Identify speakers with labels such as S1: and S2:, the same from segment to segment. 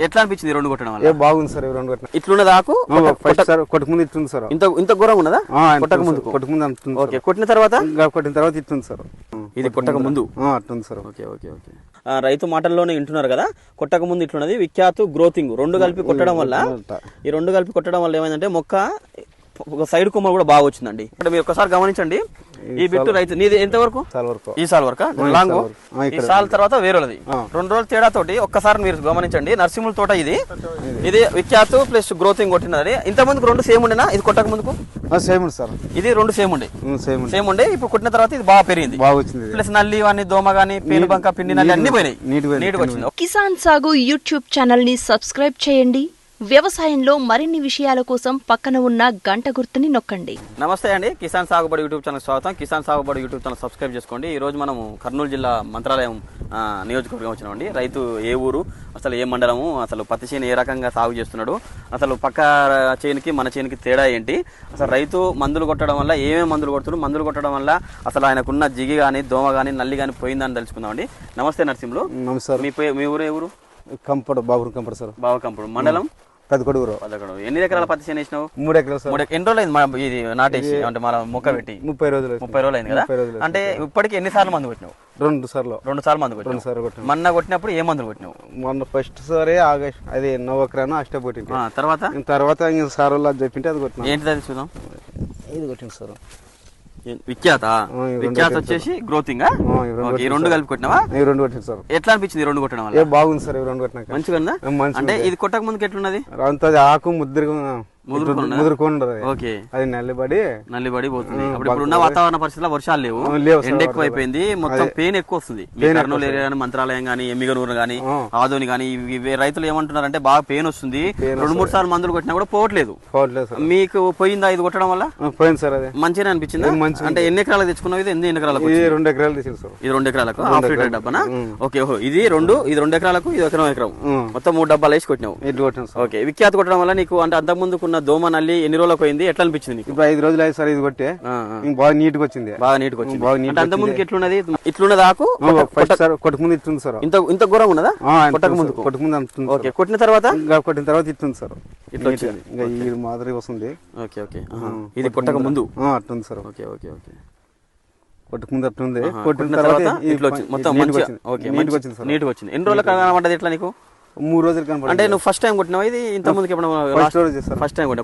S1: ఎట్లా అనిపించింది రెండు కొట్టడం వల్ల?
S2: బాగుంది సార్ రెండు కొట్టిన.
S1: ఇట్లున్నది ఆకు
S2: కొట్టక ముందు ఇట్లుంది సార్.
S1: ఇంత ఘోరంగా ఉన్నదా?
S2: కొట్టక ముందు
S1: ఓకే, కొట్టిన తర్వాత
S2: ఇట్లుంది సార్.
S1: ఇది కొట్టక ముందు
S2: అట్లుంది సార్.
S1: Okay okay okay. రైతు మాటల్లోనే వింటున్నారు కదా, కొట్టక ముందు ఇట్లున్నది. విఖ్యాతు గ్రోతింగ్ రెండు కలిపి కొట్టడం వల్ల, ఈ రెండు కలిపి కొట్టడం వల్ల ఏమైందంటే మొక్క ఒక సైడ్ కొమ్మ కూడా బాగా వచ్చిందండి. ఇక్కడ మీరు ఒకసారి గమనించండి, ఈ బిట్టు రైతు నీది ఎంత వరకు? ఈ సాల్ వరకు లాంగ్, ఈ సాల్ తర్వాత వేరేది 2 రోజుల తేడా తోటి ఒక్కసారి మీరు గమనించండి. నర్సింహుల తోట ఇది విఖ్యాతు ప్లస్ గ్రోతింగ్ కొట్టినది. ఇంత ముందుకు 2 సేమ్ ఉండేనా? ఇది కొట్టక ముందుకు
S2: సేమ్ సార్.
S1: ఇది 2 సేమ్ ఉండే. ఇప్పుడు కొట్టిన తర్వాత ఇది బాగా పెరిగింది, ప్లస్ నల్లి అని దోమ గానీ పేను బంక పిండి నల్లి అన్ని పోయినాయి, నీట్గా వచ్చింది.
S3: కిసాన్ సాగు యూట్యూబ్ ఛానల్ ని సబ్స్క్రైబ్ చేయండి. వ్యవసాయంలో మరిన్ని విషయాల కోసం పక్కన ఉన్న గంట గుర్తుని నొక్కండి.
S1: నమస్తే అండి, కిసాన్ సాగుబడి యూట్యూబ్ ఛానల్ స్వాగతం. కిసాన్ సాగుబడి యూట్యూబ్ ఛానల్ సబ్స్క్రైబ్ చేసుకోండి. ఈ రోజు మనం కర్నూలు జిల్లా మంత్రాలయం నియోజకవర్గం వచ్చినామండి. రైతు ఏ ఊరు, అసలు ఏ మండలము, అసలు పత్తి చేను ఏ రకంగా సాగు చేస్తున్నాడు, అసలు పక్క చేనుకి మన చేనుకి తేడా ఏంటి, అసలు రైతు మందులు కొట్టడం వల్ల ఏమేమి మందులు కొడుతున్నాడు, మందులు కొట్టడం వల్ల అసలు ఆయనకున్న జిగి కానీ దోమ కానీ నల్లి కానీ పోయిందని తెలుసుకుందామండి. నమస్తే నరసింహులు. మీ ఊరు ఏ ఊరు?
S2: కంపడు బాబు కంపడు సార్.
S1: బాబు కంపడు మండలం
S2: పెద్దకొడుగురు.
S1: ఎన్ని ఎకరాల పత్తి చేను వేసినావు?
S2: 3 ఎకరాలు.
S1: ఎన్ని రోజులు అయింది ఇది నాటేసి, అంటే మన మొక్క పెట్టి?
S2: 30 రోజులు.
S1: 30 రోజులు అయింది కదా. అంటే ఇప్పటికి ఎన్నిసార్లు మందు కొట్టినావు?
S2: 2 సార్లు.
S1: 2 సార్లు మందు కొట్టినావు. మొన్న కొట్టినప్పుడు ఏ మందులు కొట్టినావు?
S2: మొన్న ఫస్ట్ సారి ఆగస్ట్ అది 9 ఎకరాను అష్ట కొట్టింది. తర్వాత సార్ వాళ్ళు చెప్పింటే అది కొట్టినా.
S1: ఏంటిది అది చూద్దాం.
S2: ఇది కొట్టింది సార్.
S1: విఖ్యాత వచ్చేసి గ్రోతింగ్. ఈ 2 కలిపి కొట్టినావా?
S2: 2 కొట్టింది సార్.
S1: ఎట్లా అనిపించింది 2 కొట్టడం వల్ల?
S2: బాగుంది సార్. 2 కొట్టినాక
S1: మంచిగా ఉందా? అంటే ఇది కొట్టక ముందుకు ఎట్లున్నది?
S2: ఆకు ముదురుకుండదు. అది నల్లిబడి
S1: పోతుంది. ఇప్పుడున్న వాతావరణ పరిస్థితుల్లో వర్షాలు లేవు, ఎండ ఎక్కువ అయిపోయింది, మొత్తం పెయిన్ ఎక్కువ వస్తుంది. కర్నూలు ఏరియా కానీ, మంత్రాలయం కానీ, ఎమ్మిగనూరు కానీ, ఆదోని కానీ, రైతులు ఏమంటున్నారంటే బాగా పెయిన్ వస్తుంది, 2-3 సార్లు మందులు కొట్టినా కూడా పోవట్లేదు. మీకు పోయిందా ఇది కొట్టడం వల్ల?
S2: పోయింది సార్. అది
S1: మంచిగా అనిపించింది. అంటే ఎన్ని ఎకరాలు తెచ్చుకున్నావు? ఇది ఎన్ని ఎకరాలకు?
S2: 2 ఎకరాలు తెచ్చింది సార్.
S1: ఇది 2 ఎకరాలకు హాఫ్ లీటర్ డబ్బానా? ఓకే. ఇది 2 ఎకరాలకు, ఇది ఎకరం మొత్తం 3 డబ్బాలు వేసి కొట్టినావు. ఓకే. విఖ్యాత కొట్టడం వల్ల నీకు అంటే అంతకుముందు దోమ నల్లి ఎన్ని రోజులకు పోయింది, ఎట్లా అనిపించింది?
S2: ఇప్పుడు 5 రోజులు అయ్యి సార్. ఇది కొట్టే బాగా నీట్ గా వచ్చింది.
S1: అంత ముందుకి ఎట్లున్నది? ఇట్లున్నది ఆకు
S2: కొట్టక ముందు ఇట్లుంది సార్.
S1: ఇంత ఘోరంగా ఉన్నదా?
S2: కొట్టక ముందు.
S1: ఓకే. కొట్టిన తర్వాత
S2: ఇట్లుంది సార్. ఇట్లా వచ్చింది. ఇది మాదిరి వస్తుంది.
S1: Okay okay. ఇది కొట్టక ముందు
S2: అట్లుంది సార్.
S1: Okay okay okay.
S2: కొట్టక ముందు అట్లుంది.
S1: కొట్టిన తర్వాత ఇట్లా వచ్చింది. మొత్తం మంచిగా నీట్గా వచ్చింది. ఎన్ని రోజులకు కనబడ్డది ఇట్లా నీకు?
S2: 3 రోజులు కనబడి.
S1: అంటే నువ్వు ఫస్ట్ టైం కొట్టినావు ఇది? ఇంత ముందుకి ఫస్ట్ టైం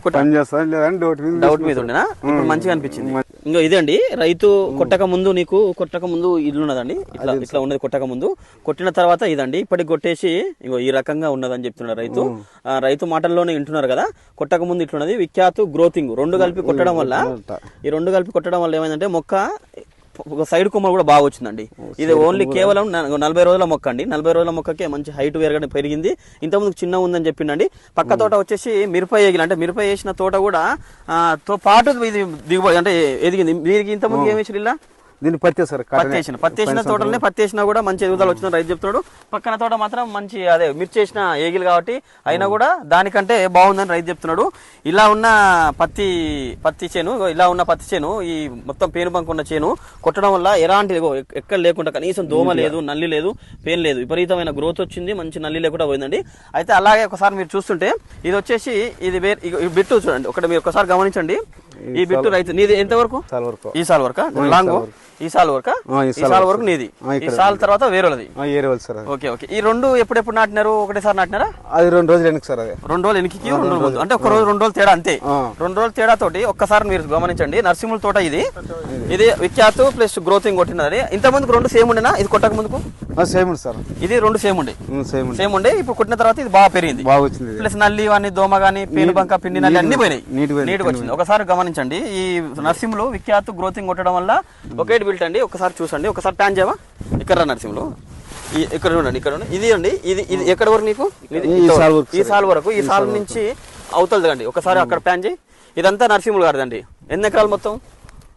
S1: డౌట్ మీద ఉండేనా? ఇప్పుడు మంచిగా అనిపించింది. ఇంకా ఇదండి రైతు కొట్టక ముందు, నీకు కొట్టక ముందు ఇల్లు ఉన్నదండి, ఇట్లా ఉన్నది కొట్టక ముందు. కొట్టిన తర్వాత ఇదండి ఇప్పటికి కొట్టేసి ఇంకో ఈ రకంగా ఉన్నదని చెప్తున్నాడు రైతు. రైతు మాటల్లోనే వింటున్నారు కదా, కొట్టక ముందు ఇట్లున్నది. విఖ్యాతు గ్రోతింగ్ 2 కలిపి కొట్టడం వల్ల, ఈ 2 కలిపి కొట్టడం వల్ల ఏమైందంటే మొక్క ఒక సైడ్ కొమ్మ కూడా బాగా వచ్చిందండి. ఇది ఓన్లీ కేవలం 40 రోజుల మొక్క అండి. 40 రోజుల మొక్కకే మంచి హైట్ పెరిగింది. ఇంతకుముందు చిన్న ఉందని చెప్పిండండి. పక్క తోట వచ్చేసి మిరప వేగిన, అంటే మిరప వేసిన తోట కూడా తో పాటు ఇది దిగుబడి అంటే ఎదిగింది. దీనికి ఇంతకుముందు ఏమి వేసి ఇలా
S2: దీన్ని పత్తి
S1: వేసిన తోటలనే పత్తి వేసినా కూడా మంచి ఎదుగుదల వచ్చిన రైతు చెప్తున్నాడు. పక్కన తోట మాత్రం మంచి అదే మిర్చి వేసిన ఏగిలు కాబట్టి అయినా కూడా దానికంటే బాగుందని రైతు చెప్తున్నాడు. ఇలా ఉన్న పత్తి చేను ఈ మొత్తం పేను బంక్ ఉన్న చేను కొట్టడం వల్ల ఎలాంటి ఎక్కడ లేకుండా కనీసం దోమ లేదు, నల్లి లేదు, పెయిన్ లేదు, విపరీతమైన గ్రోత్ వచ్చింది, మంచి నల్లి లేకుండా పోయిందండి. అయితే అలాగే ఒకసారి మీరు చూస్తుంటే ఇది వచ్చేసి ఇది బిట్టు చూడండి, మీరు ఒకసారి గమనించండి. ఈ బిట్టు రైతు నీది ఎంత వరకు? ఈ సాల్ వరకు లాంగ్, ఈ సాల్ వరకు నీది, ఈ సాల్ తర్వాత వేరేది. Okay okay. ఈ 2 ఎప్పుడెప్పుడు నాటినారు? ఒకటేసారి నాటినారా?
S2: అది 2 రోజులు వెనక్కి సార్. అది
S1: 2 రోజులు వెనక్కి, 2 రోజులు ముందు, అంటే ఒక రోజు 2 రోజులు తేడా అంతే. 2 రోజుల తేడా తోటి ఒక్కసారి మీరు గమనించండి. నర్సింహుల తోట ఇది విఖ్యాతు ప్లస్ గ్రోతింగ్ కొట్టినది. ఇంత ముందుకు 2 సేమ్ ఉండేనా? ఇది కొట్టక ముందుకు
S2: సేమ్ సార్.
S1: ఇది 2 సేమ్ ఉండే. ఇప్పుడు కొట్టిన తర్వాత ఇది బాగా పెరిగింది, ప్లస్ నల్లి అని దోమ గానీ పేను బంక పిండి నల్లి అన్ని పోయినాయి, నీట్గా వచ్చింది. ఒకసారి గమనించండి. ఈ నర్సింహులు విఖ్యాతు గ్రోతింగ్ కొట్టడం వల్ల ఒకే బిల్ట్ అండి. ఒకసారి చూసండి, ఒకసారి ప్యాన్ చేయవా? ఇక్కడ నర్సింహులు ఇక్కడ చూడండి, ఇక్కడ ఇది అండి. ఇది ఎక్కడ వరకు నీకు? ఈ సాల్ వరకు. ఈ సాల్ నుంచి అవతలదండి. ఒకసారి అక్కడ ప్యాన్ చేయి. ఇదంతా నర్సింహులు గారిదండి. ఎన్ని ఎకరాలు మొత్తం?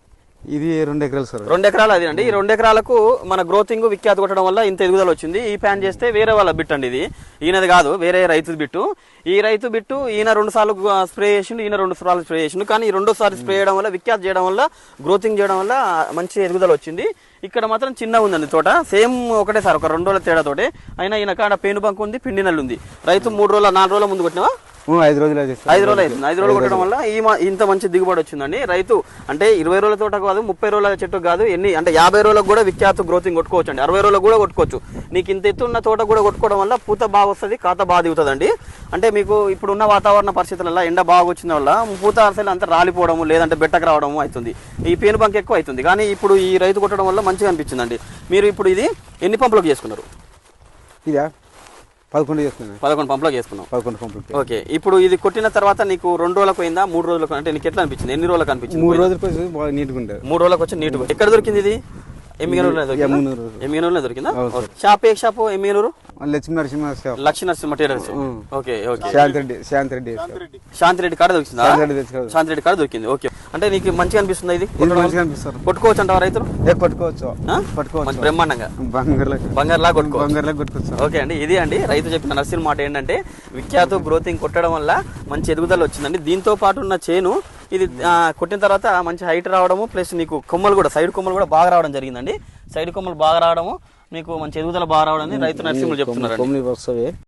S2: ఇది 2 ఎకరాలు సార్.
S1: 2 ఎకరాలు అది అండి. ఈ 2 ఎకరాలకు మన గ్రోతింగ్ విఖ్యాత కొట్టడం వల్ల ఇంత ఎదుగుదల వచ్చింది. ఈ ప్యాన్ చేస్తే వేరే వాళ్ళ బిట్ అండి, ఇది ఈయనది కాదు, వేరే రైతు బిట్టు. ఈ రైతు బిట్టు ఈయన 2 సార్లు స్ప్రే చేసిండు, ఈయన 2 సార్లు స్ప్రే చేసిండు. కానీ ఈ 2సారి స్ప్రే చేయడం వల్ల, విఖ్యాత చేయడం వల్ల, గ్రోతింగ్ చేయడం వల్ల మంచి ఎదుగుదల వచ్చింది. ఇక్కడ మాత్రం చిన్నగా ఉందండి తోట, సేమ్ ఒకటే సార్, ఒక 2 రోజుల తేడాతోటే. అయినా ఈయన కాడ పేను బంక్ ఉంది, పిండి నల్లు ఉంది. రైతు 3 రోజుల 4 రోజుల ముందు కొట్టినావా?
S2: 5 రోజులు అవుతుంది.
S1: 5 రోజులు అవుతుంది. 5 రోజులు కొట్టడం వల్ల ఇంత మంచి దిగుబడి వచ్చిందండి. రైతు అంటే 20 రోజుల తోట కాదు, 30 రోజుల చెట్టు కాదు, అంటే 50 రోజులకు కూడా విఖ్యాత గ్రోతింగ్ కొట్టుకోవచ్చు అండి. 60 రోజులకు కూడా కొట్టుకోవచ్చు. నీకు ఇంత ఎత్తున్న తోట కూడా కొట్టుకోవడం వల్ల పూత బాగా వస్తుంది, కాత బాగా దిగుతుందండి. అంటే మీకు ఇప్పుడున్న వాతావరణ పరిస్థితులలో ఎండ బాగా వచ్చిన వల్ల పూత అసలు అంతా రాలిపోవడము, లేదంటే బెట్టకు రావడము అవుతుంది. ఈ పేను బంక్ ఎక్కువ అవుతుంది. కానీ ఇప్పుడు ఈ రైతు కొట్టడం వల్ల మంచిగా అనిపించిందండి. మీరు ఇప్పుడు ఇది ఎన్ని పంపులకు చేసుకున్నారు?
S2: ఇదా 11 చేసుకున్నాను.
S1: 11 పంపులకు చేసుకున్నాం.
S2: 11 పంపులు.
S1: ఓకే, ఇప్పుడు ఇది కొట్టిన తర్వాత నీకు 2 రోజులకు పోయిందా, 3 రోజులకు? అంటే నీకు ఎట్లా అనిపించింది? ఎన్ని రోజులకు అనిపించింది?
S2: 3 రోజులకు వచ్చి బాగా నీట్గా ఉంటుంది.
S1: 3 రోజులకు వచ్చి నీట్గా. ఎక్కడ దొరికింది ఇది? ఎమ్మిగనూరులో దొరికిందా? షాప్ ఏ shop? Yemmiganur
S2: Lakshmi Narasimha
S1: tailors. Okay okay.
S2: Shanthireddy
S1: కాడ దొరికిందా? శాంతిరెడ్డి కాడ దొరికింది. ఓకే, అంటే నీకు మంచిగా అనిపిస్తుంది ఇది? కొట్టుకోవచ్చు అంటావా రైతులు?
S2: పట్టుకోవచ్చు
S1: బ్రహ్మాండంగా బంగారులా కొట్టుకోవచ్చు. ఓకే అండి, ఇది అండి రైతు చెప్పిన నర్సింగ్ మాట ఏంటంటే విఖ్యాత గ్రోతింగ్ కొట్టడం వల్ల మంచి ఎదుగుదల వచ్చిందండి. దీంతో పాటు ఉన్న చేను ఇది కొట్టిన తర్వాత మంచి హైట్ రావడము, ప్లస్ నీకు కొమ్మలు కూడా, సైడ్ కొమ్మలు కూడా బాగా రావడం జరిగిందండి. సైడ్ కొమ్మలు బాగా రావడము, మీకు మంచి ఎదుగుదల బాగా రావడం రైతు నర్సింహులు చెప్తున్నారు.